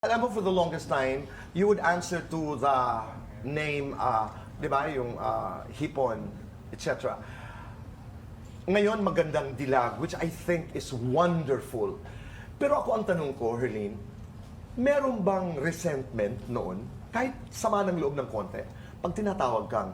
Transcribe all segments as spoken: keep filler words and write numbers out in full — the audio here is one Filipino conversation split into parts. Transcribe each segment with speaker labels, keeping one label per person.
Speaker 1: Alam mo, for the longest time, you would answer to the name, uh, di ba, yung uh, hipon, et cetera. Ngayon, magandang dilag, which I think is wonderful. Pero ako ang tanong ko, Herlene, meron bang resentment noon, kahit sama ng loob ng konti, pag tinatawag kang,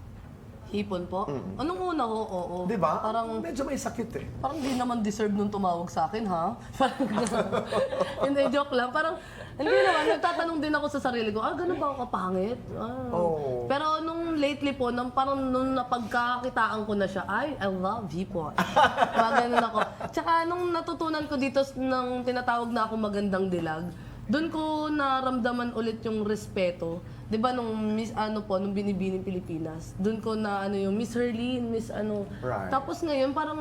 Speaker 2: Hipon po? Anong una ho? Oo.
Speaker 1: di ba?
Speaker 2: Parang,
Speaker 1: Medyo may sakit eh.
Speaker 2: parang di naman deserve nung tumawag sa akin, ha? Parang gano'n. Hindi, joke lang. Parang, hindi naman. Nagtatanong din ako sa sarili ko, ah, gano'n ba ako kapangit? Ah.
Speaker 1: Oh.
Speaker 2: Pero nung lately po, nung, parang nung napagkakitaan ko na siya, ay, I love hipon. Mga ganun ako. Tsaka nung natutunan ko dito nang tinatawag na ako magandang dilag, doon ko naramdaman ulit yung respeto. 'Di ba nung Miss ano po, nung Binibining Pilipinas, doon ko na ano yung Miss Herlene, Miss ano.
Speaker 1: Right.
Speaker 2: Tapos ngayon parang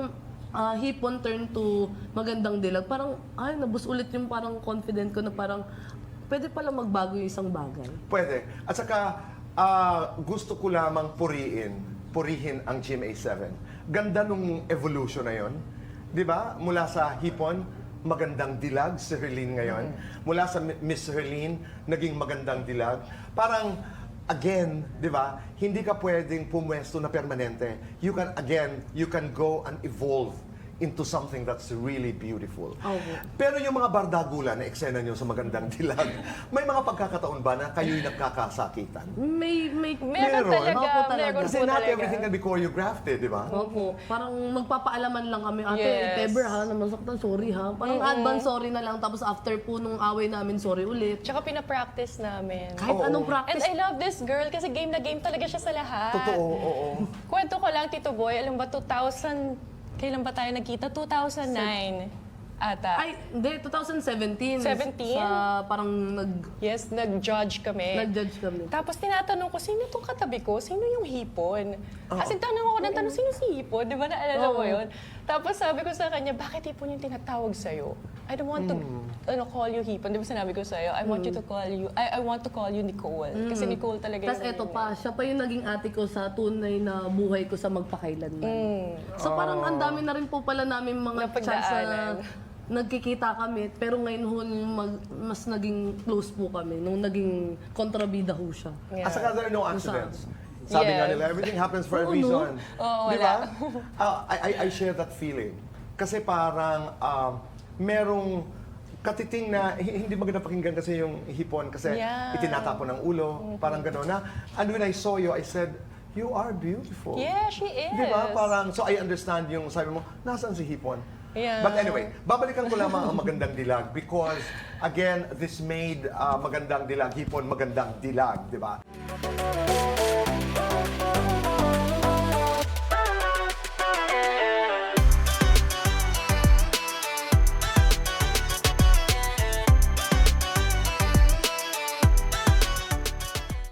Speaker 2: ah, hipon turn to magandang dilag. Parang ay nabus ulit yung parang confident ko na parang pwede pala magbago yung isang bagay.
Speaker 1: Pwede. At saka, ah, gusto ko lamang puriin, purihin ang G M A seven. Ganda nung evolution na yon. Di ba? Mula sa hipon, magandang dilag si Herlene ngayon. Mula sa Miss Herlene, naging magandang dilag. Parang, again, di ba, hindi ka pwedeng pumwesto na permanente. You can, again, you can go and evolve into something that's really beautiful.
Speaker 2: Okay.
Speaker 1: Pero yung mga bardagulan na eksena nyo sa magandang dilag, may mga pagkakataon ba na kayo'y nagkakasakitan?
Speaker 2: May may
Speaker 1: Meron.
Speaker 3: Meron talaga.
Speaker 2: Opo, talaga.
Speaker 3: Meron
Speaker 1: Kasi
Speaker 3: po
Speaker 1: not
Speaker 3: talaga.
Speaker 1: everything can be choreographed eh, di ba?
Speaker 2: Opo, parang magpapaalaman lang kami, ate,
Speaker 3: Yes.
Speaker 2: if ever ha, naman saktan, sorry ha. Parang advance sorry na lang, tapos after po nung away namin, sorry ulit.
Speaker 3: Tsaka pinapractice namin.
Speaker 2: Kahit
Speaker 1: Oo.
Speaker 2: anong
Speaker 3: And
Speaker 2: practice.
Speaker 3: I love this girl kasi game na game talaga siya sa lahat.
Speaker 1: Totoo, oo.
Speaker 3: Kwento ko lang, Tito Boy, alam ba, two thousand, kailan ba tayo nagkita? two thousand nine ata.
Speaker 2: Ay, hindi, twenty seventeen.
Speaker 3: seventeen?
Speaker 2: Sa parang nag,
Speaker 3: Yes, nag-judge kami.
Speaker 2: nag-judge kami.
Speaker 3: Tapos tinatanong ko, sino itong katabi ko? Sino yung hipon? Kasi tanong ako ng tanong, sino si hipon? Di ba naalala mo
Speaker 2: Oo.
Speaker 3: yun? Tapos sabi ko sa kanya, bakit hipon yung tinatawag sa'yo? I don't want to ano, call you hipon. Di ba sinabi ko sa'yo, I want you to call you, I, I want to call you Nicole. Kasi Nicole talaga
Speaker 2: Tapos eto pa, siya pa yung naging ate ko sa tunay na buhay ko sa magpakailanman.
Speaker 3: Mm.
Speaker 2: So parang ang dami na rin po pala namin mga chance na
Speaker 3: Napagdaanan.
Speaker 2: nagkikita kami. Pero ngayon ho, yung mag- mas naging close po kami. Nung naging kontrabida ho siya.
Speaker 3: Yeah.
Speaker 1: At saka there are no accidents. Sabi nga
Speaker 3: Yes.
Speaker 1: nila, everything happens for a
Speaker 2: Oo,
Speaker 1: reason.
Speaker 2: no?
Speaker 3: Oo,
Speaker 1: Di
Speaker 3: wala.
Speaker 1: ba? Ah, I, I, I share that feeling. Kasi parang um, merong katiting na hi- hindi maganda pakinggan kasi yung hipon kasi
Speaker 3: Yeah.
Speaker 1: itinatapon ng ulo, parang gano'n na. And when I saw you, I said, you are beautiful.
Speaker 3: Yeah, she is.
Speaker 1: Di ba? Parang, so I understand yung sabi mo, nasaan si hipon?
Speaker 3: Yeah.
Speaker 1: But anyway, babalikan ko lamang ang magandang dilag because, again, this made uh, magandang dilag, hipon magandang dilag, di ba?